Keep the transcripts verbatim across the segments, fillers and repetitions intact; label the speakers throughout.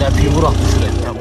Speaker 1: depiyi bıraktı şuraya. Tamam.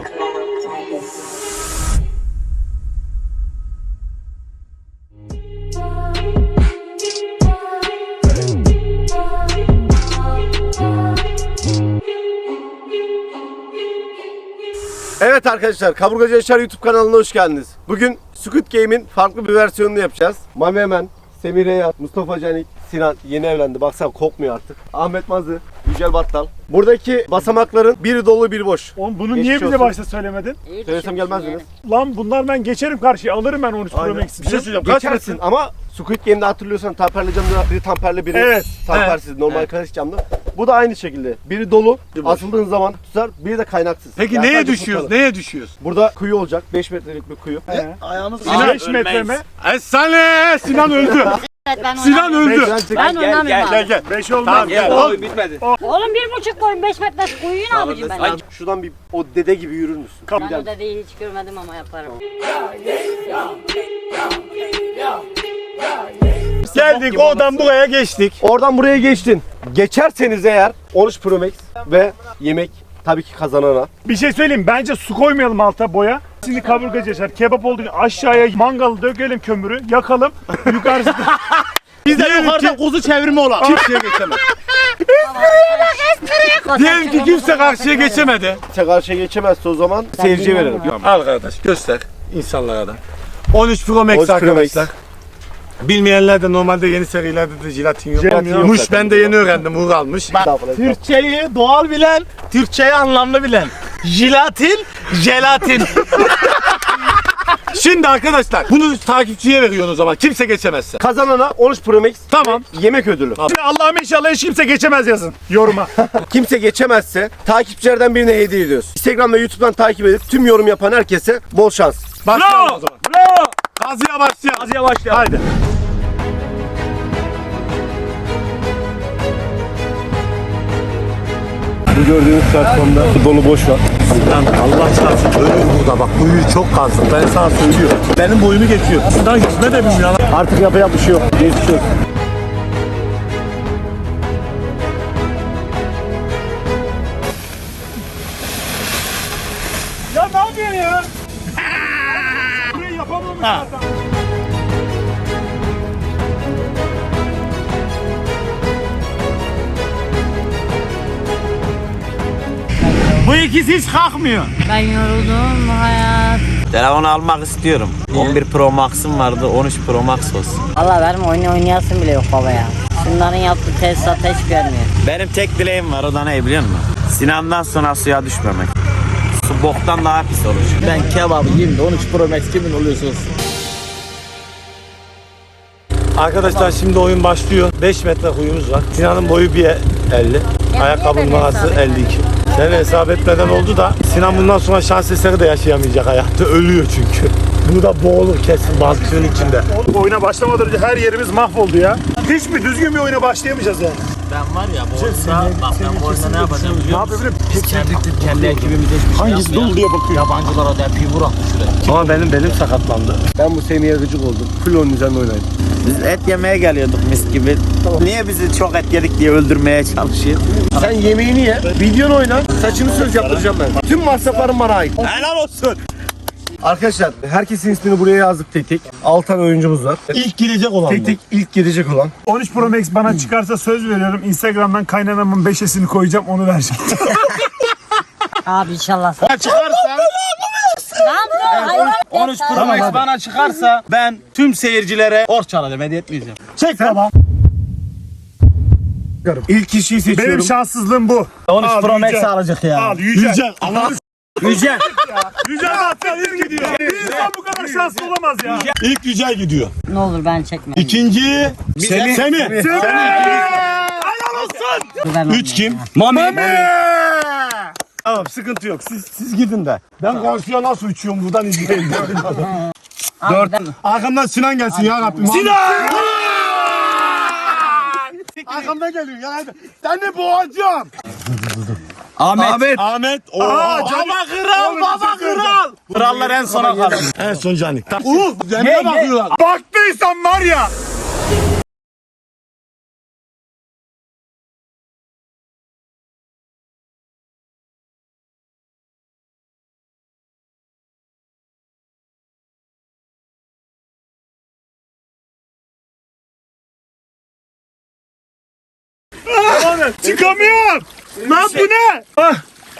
Speaker 2: Evet arkadaşlar, Kaburgacı Yaşar YouTube kanalına hoş geldiniz. Bugün Squid Game'in farklı bir versiyonunu yapacağız. Mami Emen, Semih Reyat, Mustafa Canik, Sinan yeni evlendi. Baksana kokmuyor artık. Ahmet Mazı, Yücel Battal. Buradaki basamakların biri dolu biri boş.
Speaker 3: Oğlum bunu
Speaker 2: Geçmiş
Speaker 3: niye bize
Speaker 2: olsun.
Speaker 3: başta söylemedin?
Speaker 2: Söylesem gelmezdiniz.
Speaker 3: Lan bunlar ben geçerim karşıya, alırım ben on üç Pro
Speaker 2: Aynen.
Speaker 3: Max'i. Bir şey söyleyeceğim. Kaç
Speaker 2: Geçersin
Speaker 3: metre?
Speaker 2: ama Squid Game'de hatırlıyorsan tamperli camda biri tamperli biri
Speaker 3: Evet.
Speaker 2: tampersiz normal
Speaker 1: Evet.
Speaker 2: klasik camda. Bu da aynı şekilde. Biri dolu, asıldığın zaman tutar, biri de kaynaksız.
Speaker 4: Peki
Speaker 2: Yani
Speaker 4: neye
Speaker 2: sadece
Speaker 4: düşüyoruz?
Speaker 2: tutalım.
Speaker 4: Neye düşüyoruz?
Speaker 2: Burada kuyu olacak. beş metrelik bir kuyu.
Speaker 3: He.
Speaker 4: Ayağınız
Speaker 3: Sinan beş metre mi?
Speaker 4: Esale! Sinan öldü.
Speaker 5: Evet, ben
Speaker 4: Sinan
Speaker 5: oynamıyorum.
Speaker 4: öldü.
Speaker 5: Ben oynamıyorum
Speaker 4: Gel
Speaker 5: abi.
Speaker 4: gel.
Speaker 3: beş olmaz.
Speaker 4: Tamam
Speaker 3: Gel.
Speaker 4: gel.
Speaker 1: Oğlum bitmedi.
Speaker 5: Oğlum bir buçuk boyun beş metre kuyuyu ne yapacağım ben?
Speaker 2: Ay, şuradan bir o dede gibi yürür müsün?
Speaker 5: Ben o dedeyi hiç görmedim ama yaparım.
Speaker 4: Geldik oradan buraya geçtik.
Speaker 2: Oradan buraya geçtin. Geçerseniz eğer on üç Pro Max ve yemek tabii ki kazanana.
Speaker 3: Bir şey söyleyeyim, bence su koymayalım alta boya. Şimdi kaburgacı Yaşar kebap olduğu için aşağıya mangalı dökelim, kömürü yakalım. Yukarısı
Speaker 4: Biz de yukarıda kuzu çevirme olan. Kimseye geçemez. Diyelim ki kimse karşıya geçemedi.
Speaker 2: Kimse karşıya geçemezse o zaman seyirciye verelim.
Speaker 4: Al kardeş göster insanlara da. on üç Pro Max
Speaker 2: on üç Pro Max.
Speaker 4: arkadaşlar. Bilmeyenler de normalde yeni serilerde de jelatin yok.
Speaker 3: Jelatin yok
Speaker 4: Muş
Speaker 2: zaten.
Speaker 4: ben de yeni öğrendim. Uğur almış.
Speaker 2: Estağfurullah.
Speaker 1: Türkçeyi doğal bilen, Türkçeyi anlamlı bilen. Jelatin, jelatin.
Speaker 4: Şimdi arkadaşlar bunu takipçiye veriyorsun o zaman. Kimse geçemezse.
Speaker 2: Kazanana on üç Pro Max
Speaker 4: Tamam.
Speaker 2: ve yemek ödülü.
Speaker 3: Şimdi Allah'ım inşallah hiç kimse geçemez yazın yoruma.
Speaker 2: Kimse geçemezse takipçilerden birine hediye ediyoruz. Instagram ve YouTube'dan takip edip tüm yorum yapan herkese bol şans.
Speaker 4: Başlayalım
Speaker 3: Bravo.
Speaker 4: o zaman.
Speaker 3: Bravo.
Speaker 4: Kazıya başlayalım.
Speaker 3: Kazıya başlayalım. Haydi.
Speaker 2: Bu gördüğünüz platformda dolu boş var.
Speaker 4: Lan Allah çarpsın ölür burada bak kuyu çok kazdım ben sana söylüyorum. Benim boyumu geçiyor. Şuradan yüzme de bilmiyor lan.
Speaker 2: Artık yapacak bir şey yok. Geçmiş olsun.
Speaker 3: Ya ne yapıyorsun ya? Burayı yapamamış zaten.
Speaker 1: Bu ikisi hiç kalkmıyor.
Speaker 5: Ben yoruldum hayat.
Speaker 6: Telefonu almak istiyorum. on bir Pro Max'ım vardı, on üç Pro Max olsun.
Speaker 5: Allah benim oyun oynayasım bile yok baba ya. Şunların yaptığı tesisata hiç gelmiyor.
Speaker 6: Benim tek dileğim var, o da ne biliyor musun? Sinan'dan sonra suya düşmemek. Su boktan daha pis olur.
Speaker 1: Ben kebabı yiyeyim de on üç Pro Max kimin oluyorsa olsun.
Speaker 4: Arkadaşlar şimdi oyun başlıyor. beş metre kuyumuz var. Sinan'ın boyu bir elli. Ayakkabı
Speaker 5: niye ben
Speaker 4: numarası
Speaker 5: hesap
Speaker 4: elli iki. Sen hesap etmeden oldu da Sinan bundan sonra şans eseri de yaşayamayacak hayatta. Ölüyor çünkü. Bunu da boğulur kesin balıkçının içinde.
Speaker 3: Oyuna başlamadan önce her yerimiz mahvoldu ya. Hiç mi düzgün bir oyuna başlayamayacağız yani?
Speaker 1: Ben var ya bu oyunda, bak ben bu oyunda ne yapacağım
Speaker 3: Ne
Speaker 1: biliyor musun?
Speaker 3: yapabilirim?
Speaker 1: Biz kendi, kendi ekibimize hiçbir şey
Speaker 3: Hangisi dolu diye bakıyor.
Speaker 1: Yabancılara depiyi bıraktı şuraya.
Speaker 4: Ama benim belim sakatlandı.
Speaker 2: Ben bu Semih'e gıcık oldum. Full onun üzerine oynayın.
Speaker 6: Biz et yemeye geliyorduk mis gibi. Niye bizi çok et yedik diye öldürmeye çalışıyor?
Speaker 2: Sen yemeğini ye, videonu oyna, saçını söz yaptıracağım ben. Tüm masraflarım bana ait.
Speaker 6: Helal olsun.
Speaker 2: Arkadaşlar herkesin ismini buraya yazdık tek tek. altı tane oyuncumuz var.
Speaker 4: İlk girecek olan
Speaker 2: Tek
Speaker 4: bu.
Speaker 2: tek ilk gidecek olan.
Speaker 3: on üç Pro Max bana çıkarsa söz veriyorum. Instagram'dan kaynanamın beşesini koyacağım, onu vereceğim.
Speaker 5: Abi inşallah.
Speaker 1: Çıkarsa
Speaker 5: Lan hayvan.
Speaker 1: on üç Pro Max bana çıkarsa ben tüm seyircilere borç çalacağım, hediye etmeyeceğim.
Speaker 3: Çek tamam.
Speaker 2: İlk kişiyi seçiyorum.
Speaker 3: Benim şanssızlığım bu.
Speaker 1: on üç
Speaker 3: Al,
Speaker 1: Pro Max
Speaker 3: Yücel.
Speaker 1: alacak ya.
Speaker 3: Al Yücel.
Speaker 4: Yücel. Allah'ını
Speaker 1: Yücel.
Speaker 3: Yücel Bahtsal ilk gidiyor. Bir insan bu kadar şanslı olamaz ya.
Speaker 4: ilk Yücel gidiyor.
Speaker 5: Ne olur ben çekmem.
Speaker 4: İkinci Semih. Semih.
Speaker 3: Helal olsun.
Speaker 5: Ben
Speaker 4: Üç kim?
Speaker 1: Mami.
Speaker 4: Tamam sıkıntı yok. Siz siz gidin de. Ben karşıya nasıl uçuyorum buradan izleyin. Dört. Arkamdan Sinan gelsin ya Rabbim. Sinan! Arkamdan geliyor ya hadi. Seni boğacağım.
Speaker 1: Ahmet. Ahmet.
Speaker 4: Ahmet. Oo.
Speaker 1: Baba kral, baba kral. Krallar en sona kalır.
Speaker 4: En son Canik. Uğur. Zemine bakıyorlar.
Speaker 3: Baktıysan var ya. Çıkamıyorum. Lan bu ne? Ah.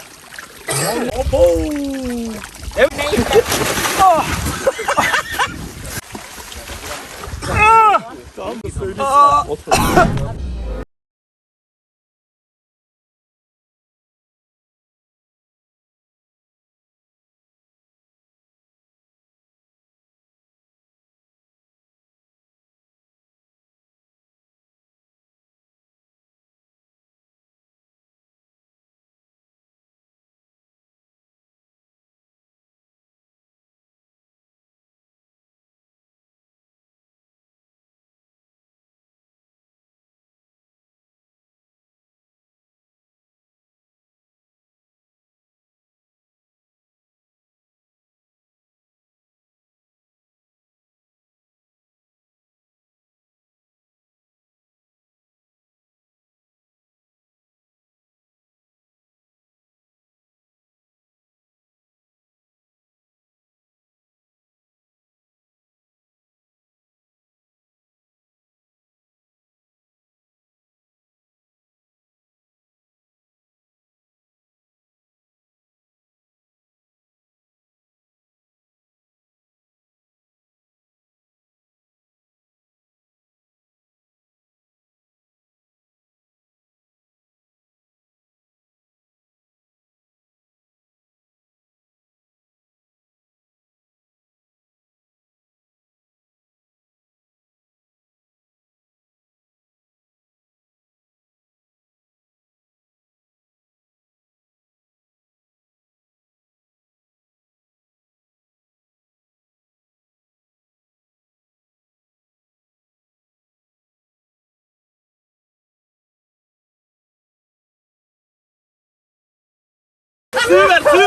Speaker 1: Suyu ver suyu.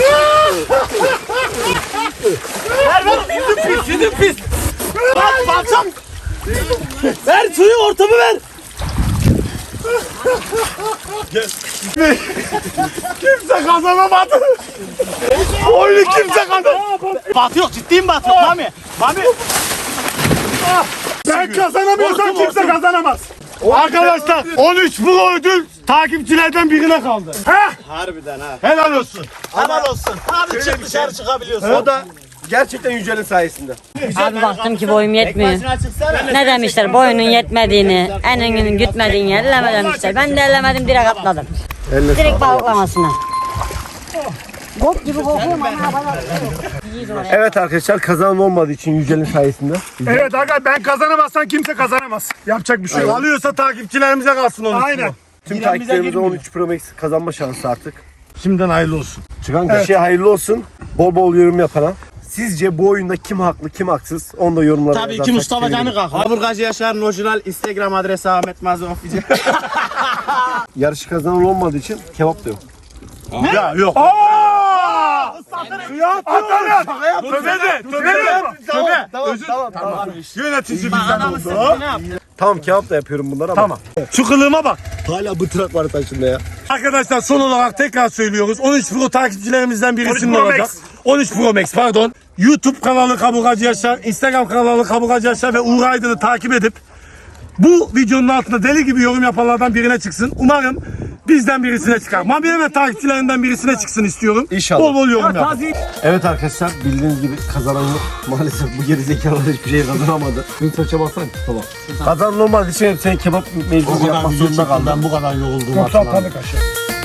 Speaker 1: Ver ver yüzüm pis yüzüm pis. Bak balçam. Ver suyu ortamı ver.
Speaker 3: Kimse kazanamadı. Oyunu kimse kazanamadı.
Speaker 1: Batı yok ciddiyim batı yok Mami. Mami.
Speaker 3: Ben kazanamıyorsam kimse kazanamaz. Arkadaşlar on üç pro ödül takipçilerden birine kaldı. Heh,
Speaker 2: Harbiden ha.
Speaker 3: helal olsun.
Speaker 1: Helal olsun. Abi çık dışarı çıkabiliyorsun.
Speaker 2: O da gerçekten Yücel'in sayesinde.
Speaker 5: Abi baktım ki boyum yetmiyor. Ne demişler boyunun yetmediğini, eninin gütmediğini elleme demişler. Ben de ellemedim direkt atladım.
Speaker 2: Eline
Speaker 5: Direkt balıklamasına. Bok gibi kokuyorum ama bana.
Speaker 2: Evet arkadaşlar kazanan olmadığı için Yücel'in sayesinde.
Speaker 3: Evet aga ben kazanamazsam kimse kazanamaz. Yapacak bir şey yok. Alıyorsa takipçilerimize kalsın onu. Aynen.
Speaker 2: Tüm takipçilerimizin on üç Pro Max kazanma şansı artık.
Speaker 3: Şimdiden hayırlı olsun.
Speaker 2: Çıkan kişiye hayırlı olsun. Bol bol yorum yapana. Sizce bu oyunda kim haklı kim haksız? Onu da yorumlara
Speaker 1: Tabii ki
Speaker 2: yazarsak
Speaker 1: Mustafa
Speaker 2: sevinirim.
Speaker 1: Canı kalk.
Speaker 6: Kaburgacı Yaşar'ın orijinal Instagram adresi Ahmet Mazlum Official.
Speaker 2: Yarışı kazanan olmadığı için kebap da yok.
Speaker 3: Ya yok. Aaa! Ya atarım. Tövbe de. Tövbe de. Tövbe.
Speaker 2: Tamam
Speaker 3: Özür-
Speaker 2: tamam tamam.
Speaker 3: Yönetici bizden oldu.
Speaker 2: Tamam kebap da yapıyorum bunları ama.
Speaker 3: Tamam. Şu kılığıma bak.
Speaker 2: Hala bıtırak var taşında ya.
Speaker 3: Arkadaşlar son olarak tekrar söylüyoruz. on üç Pro takipçilerimizden birisinin
Speaker 2: Pro
Speaker 3: olacak.
Speaker 2: Max.
Speaker 3: on üç Pro Max pardon. YouTube kanalı Kaburgacı Yaşar, Instagram kanalı Kaburgacı Yaşar ve Uğur Aydın'ı takip edip bu videonun altında deli gibi yorum yapanlardan birine çıksın. Umarım bizden birisine çıkar. Mami ve takipçilerinden birisine çıksın istiyorum.
Speaker 2: İnşallah.
Speaker 3: Bol bol yorum yap.
Speaker 2: Evet arkadaşlar bildiğiniz gibi kazanan yok. Maalesef bu geri zekalar hiçbir şey kazanamadı. Mintoç'a baksana tamam. Kazanan olmadığı için sen kebap mecbur yapmak zorunda kaldın.
Speaker 1: Ben bu kadar yoruldum.
Speaker 3: Yoksa tanık aşağı.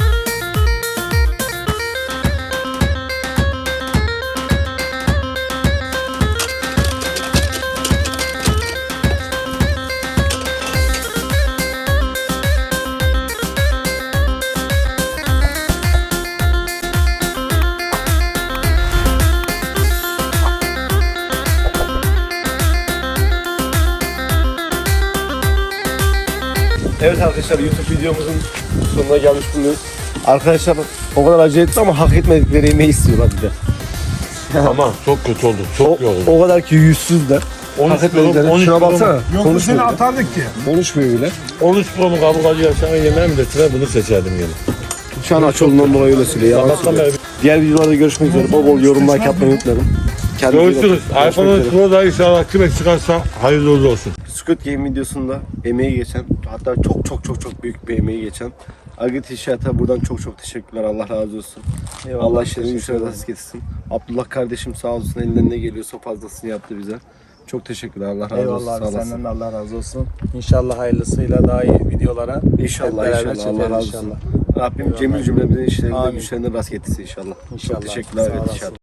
Speaker 2: Evet arkadaşlar YouTube videomuzun sonuna gelmiş bulunuyoruz. Arkadaşlar o kadar acele etti ama hak etmedikleri yemeği istiyorlar bir de.
Speaker 7: Ama çok kötü oldu.
Speaker 2: O,
Speaker 7: Çok yoruldum.
Speaker 2: o kadar ki yüzsüzler. Hak etmedikleri. Şuna baksana.
Speaker 3: Yoksa seni
Speaker 2: Konuşmuyor bile.
Speaker 3: atardık ki.
Speaker 2: Konuşmuyor bile.
Speaker 7: on üç Pro'mu kaburgacı yaşayan yemeğe mi desene bunu seçerdim yine.
Speaker 2: Şu an aç olduğundan dolayı öyle söylüyor. Yalan
Speaker 7: Sabahtan
Speaker 2: söylüyor.
Speaker 7: beri
Speaker 2: Diğer videolarda görüşmek üzere. Bol bol yorum like yapmayı unutmayalım. Kendinize iyi bakın.
Speaker 7: görüşürüz.
Speaker 2: Görüşmek
Speaker 7: iPhone on üç
Speaker 2: üzere.
Speaker 7: Pro da inşallah kime çıkarsa hayırlı uğurlu olsun.
Speaker 2: Squid Game videosunda emeği geçen hatta çok çok çok çok büyük bir emeği geçen Agit İnşaat'a buradan çok çok teşekkürler. Allah razı olsun.
Speaker 1: Eyvallah,
Speaker 2: Allah işlerini
Speaker 1: teşekkür
Speaker 2: güçlerine
Speaker 1: ederim.
Speaker 2: nasip etsin. Abdullah kardeşim sağ olsun, elinden ne geliyorsa fazlasını yaptı bize. Çok teşekkürler. Allah razı olsun.
Speaker 1: Eyvallah
Speaker 2: Sağ
Speaker 1: abi,
Speaker 2: olasın.
Speaker 1: senden de Allah razı olsun. İnşallah hayırlısıyla daha iyi videolara hep
Speaker 2: İnşallah
Speaker 1: beraber
Speaker 2: inşallah. Allah
Speaker 1: çekeriz
Speaker 2: razı olsun.
Speaker 1: inşallah.
Speaker 2: Rabbim cemil cümlemizin işlerinde
Speaker 1: Amin.
Speaker 2: güçlerinde rast getirsin inşallah.
Speaker 1: İnşallah.
Speaker 2: Çok teşekkürler.
Speaker 1: Sağ
Speaker 2: Evet,
Speaker 1: olasın.
Speaker 2: inşallah.